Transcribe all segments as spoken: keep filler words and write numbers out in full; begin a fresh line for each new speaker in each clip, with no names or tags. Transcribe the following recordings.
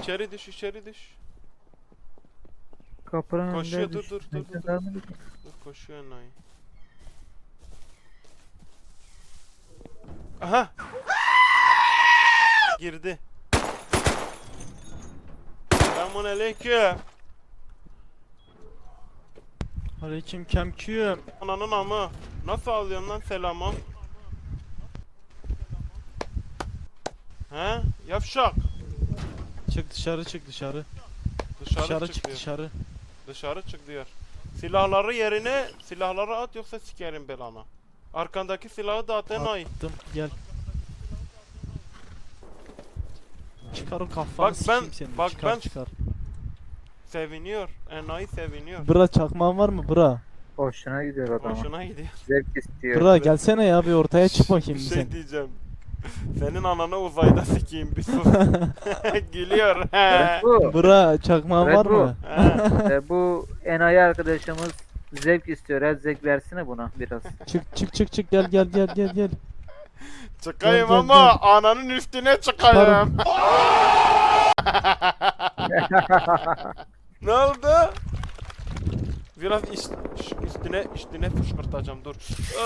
İçeri düş, içeri düş.
Kapının
Koşuyor,
önünde
dur,
düş.
dur, dur,
Neyse,
dur, dur.
devam edelim.
Dur, koşuyor enayi. Aha! Girdi. Selamun aleyküm.
Aleyküm kemküm.
Ananın amı. Nasıl alıyorsun lan selamı? He? Yavşak.
Çık dışarı çık dışarı.
Dışarı,
Dışarı
çık,
çık
diyor.
dışarı.
Dışarı çık diyor. Silahları yerine silahları at yoksa sikerim belana. Arkandaki silahı da at enayi.
Attım gel. Çıkar o kafanı
Bak ben-
sikeyim seni.
bak
çıkar,
ben-
çıkar.
Seviniyor. Enayi seviniyor.
Bıra çakmağın var mı bıra?
Hoşuna gidiyor adama.
Hoşuna gidiyor.
Zevk istiyor.
Bıra gelsene ya bir ortaya çık bakayım
Bir
bir
şey
sen.
diyeceğim. Senin ananı uzayda sikeyim bir sus. Gülüyor.
Evet, bu.
Bıra çakmağın
Evet,
var
bu.
mı?
He.
Ee, bu enayi arkadaşımız zevk istiyor. El zevk versene buna biraz.
Çık çık çık çık gel gel gel gel gel.
Çıkayım
Gel, gel,
ama ananın üstüne çıkayım. Ne oldu? Biraz iş, ş- üstüne üstüne fışkırtacağım dur.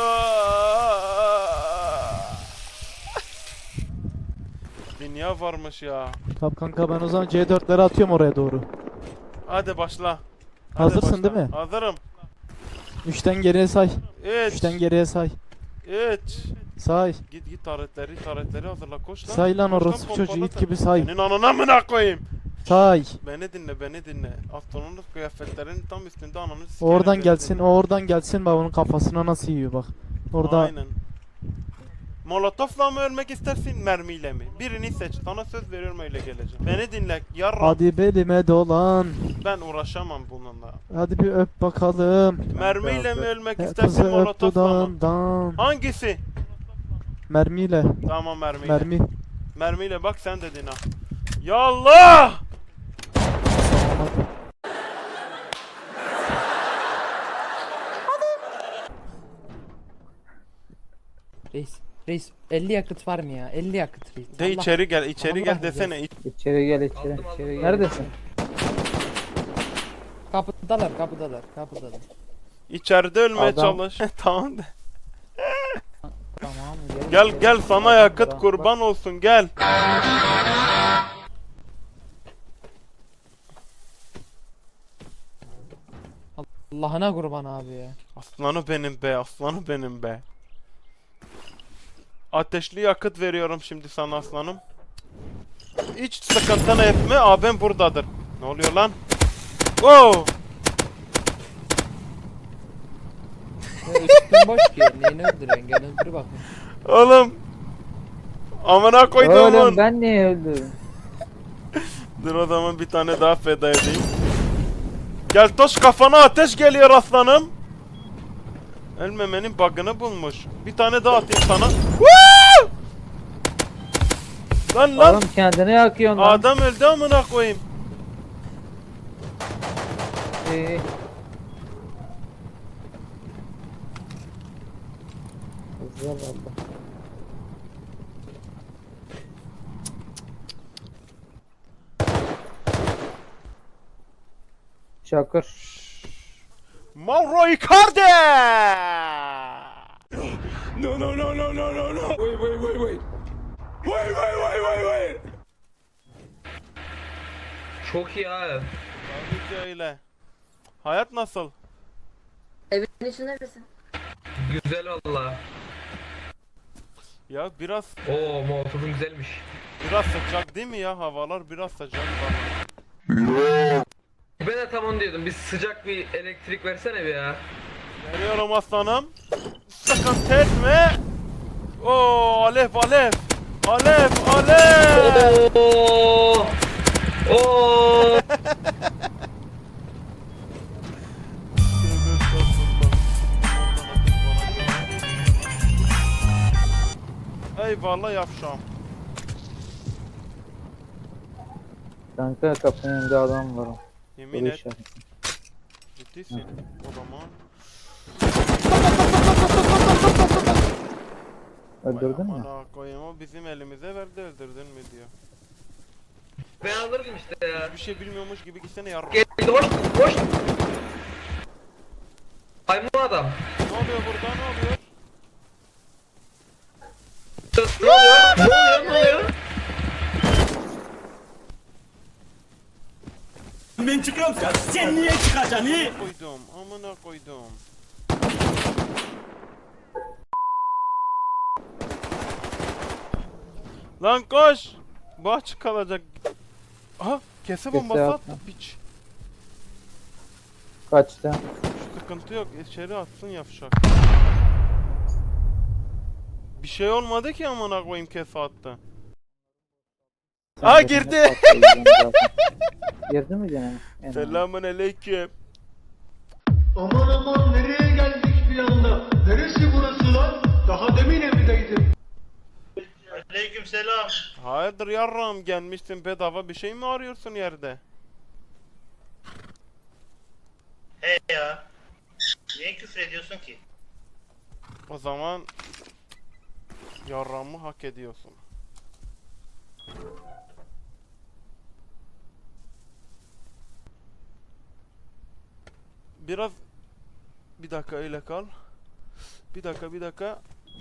Dünya varmış ya.
Tamam kanka ben o zaman C dörtleri atıyorum oraya doğru.
Hadi başla. Hadi
Hazırsın
başla.
değil mi?
Hazırım.
Üçten geriye say.
üç.
Üçten geriye say.
üç.
Say.
Git git taretleri taretleri hazırla koş lan.
Say lan
Koş
orası
pompala
çocuğu it
sen.
gibi say.
Senin anana mı koyayım?
Say.
Beni dinle beni dinle. Astronot kıyafetlerin tam üstünde ananı sikerim.
Oradan
beni
gelsin,
dinle.
o oradan gelsin bak onun kafasına nasıl yiyor bak. Orada
Aynen. Molotofla mı ölmek istersin mermiyle mi? Birini seç. Sana söz veriyorum öyle geleceğim. Beni dinle yarram.
hadi belime dolan.
Ben uğraşamam bununla.
Hadi bir öp bakalım.
Mermiyle
öp.
mi ölmek
E,
istersin
Kızı öp
molotofla mı?
dudağından.
Hangisi?
Mermiyle.
Tamam mermiyle.
Mermi.
Mermiyle bak sen dedin ha. Ya Allah!
Reis, reis elli yakıt var mı ya? elli yakıt reis.
De
Allah-
içeri gel, içeri
Allah
gel
razı
desene.
İçeri gel içeri.
Aldım, aldım,
içeri gel.
aldım.
Neredesin?
Kapıdalar, kapıdalar, kapıdalar.
İçeride ölmeye
Adam-
çalış. Tamam de.
Tamam.
Gel
gel.
gel sana
Adam
yakıt
bırak,
kurban olsun gel.
Allah'ına kurban abi ya.
Aslanı benim be, aslanı benim be. Ateşli yakıt veriyorum şimdi sana aslanım. Hiç sıkıntını etme, abim buradadır. Ne oluyor lan? Wow!
Ya üstün boş ki. Neyini öldürüyorsun? Gel öldür bakayım.
Oğlum! Amına koyduğumun!
Oğlum ben niye öldüm?
Dur o zaman bir tane daha feda edeyim. Gel toş kafana ateş geliyor aslanım. Ölmemenin bug'ını bulmuş. Bir tane daha atayım sana. Woo! Lan lan!
Oğlum kendini yakıyorsun lan.
Adam öldü amına koyayım.
Ee, Hızlı ol abla. Çakır.
Mauro Icardi!
No, no, no, no, no, no, no. Wait, wait, wait, wait. Wait, wait, wait, wait, wait.
Çok iyi abi.
Tabii ki öyle. Hayat nasıl?
Evin içinde misin?
Güzel valla.
Ya biraz
Oo molotofun güzelmiş.
biraz sıcak değil mi ya? Havalar biraz sıcak bana.
Ben de tam onu diyordum. Bir sıcak bir elektrik versene bir ya.
Veriyorum aslanım. Sıkıntı etme. Oo alev alev. Alev alev.
Oo! Oo!
Eyvallah yapşam.
Kanka kapının önünde adam var.
Yemin
Soru
et.
işareti.
Ciddisin. O zaman.
Öldürdün mü?
Amına koyayım o bizim elimize verdi öldürdün mü diyor.
Ben alırdım işte ya.
Bir şey bilmiyormuş gibi gitsene yarra.
Geldi hoş hoş. Maymun adam.
Ne oluyor burada ne oluyor?
Ne oluyor? Ne oluyor? Ne oluyor?
Ben çıkıyorum sen. Sen niye çıkacaksın iyi?
Koydum amına koydum. Lan koş. Bu açık kalacak. Aha kese bombası attı piç.
Kaçtı.
Sıkıntı yok içeri atsın yavşak. Bir şey olmadı ki amına koyayım kese attı. Aa girdi.
Girdi mi gene? Yani.
Selamun aleyküm.
Aman aman nereye geldik bir anda? Neresi burası lan? Daha demin evdeydim. Aleykümselam.
Hayırdır yarram gelmişsin bedava bir şey mi arıyorsun yerde?
He ya. Niye küfür ediyorsun ki?
O zaman yarramı hak ediyorsun. Biraz bir dakika öyle kal. Bir dakika bir dakika.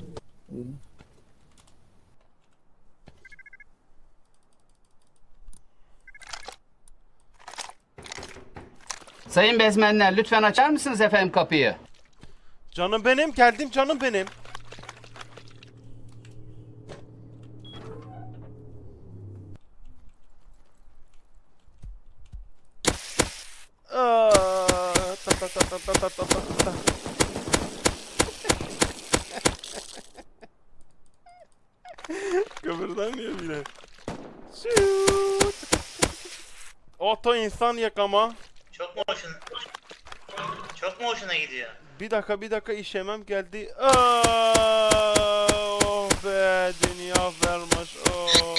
Sayın bezmenler lütfen açar mısınız efendim kapıyı?
Canım benim geldim canım benim. Aa, ta ta ta ta ta ta ta ta ta. Kıvırdanmıyor bile. Şuut. Oto insan yakama.
Çok mu hoşuna... Çok mu hoşuna gidiyor?
Bir dakika bir dakika işemem geldi. Aa, oh be dünya vermiş. Oh.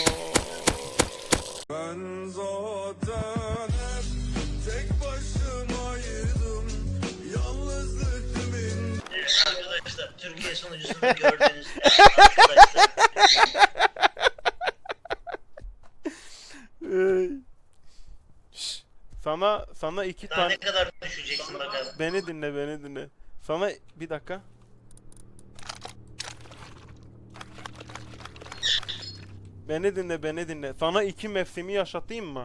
Ben zaten hep tek başımaydım. Yalnızlık kimin?
Evet arkadaşlar, Türkiye sunucusunu gördüğünüz arkadaşlar.
Ey. Şş, sana sana iki
Daha
tane
ne kadar düşeceksin bakalım.
beni dinle beni dinle. Sana bir dakika. Beni dinle beni dinle. Sana iki mevsimi yaşatayım mı?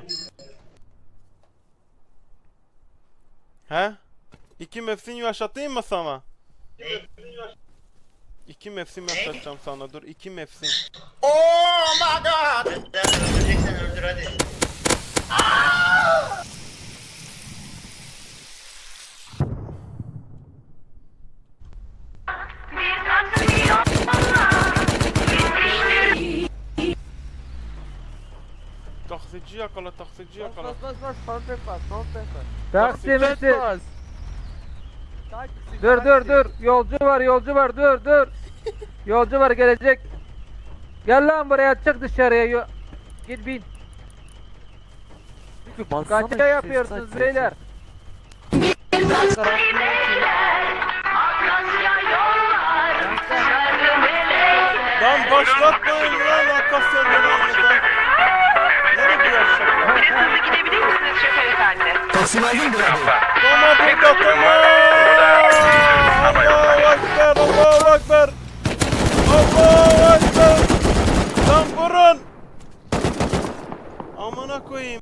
He? İki mevsim yaşatayım mı sana?
Ne?
İki mevsim yaşatacağım sana. Dur iki mevsim.
Neden öldüreceksen öldür hadi.
Taksici yakala taksici yakala.
Bas bas bas bas bas bas bas bas.
Taksimizi.
Bas.
Dur dur dur. Yolcu var yolcu var dur dur. Yolcu var gelecek. Gel lan buraya çık dışarıya. Yo- Git bin. Kaçta yapıyorsunuz beyler?
Lan başlatmayın lan Akasya döneminden. Nereye bu yaşaklar?
Biraz hızlı gidebilir misiniz şoför efendi?
Toma burada Toma! Allahu Ekber, Allahu Ekber! Allahu Ekber! Lan vurun! Amına koyayım.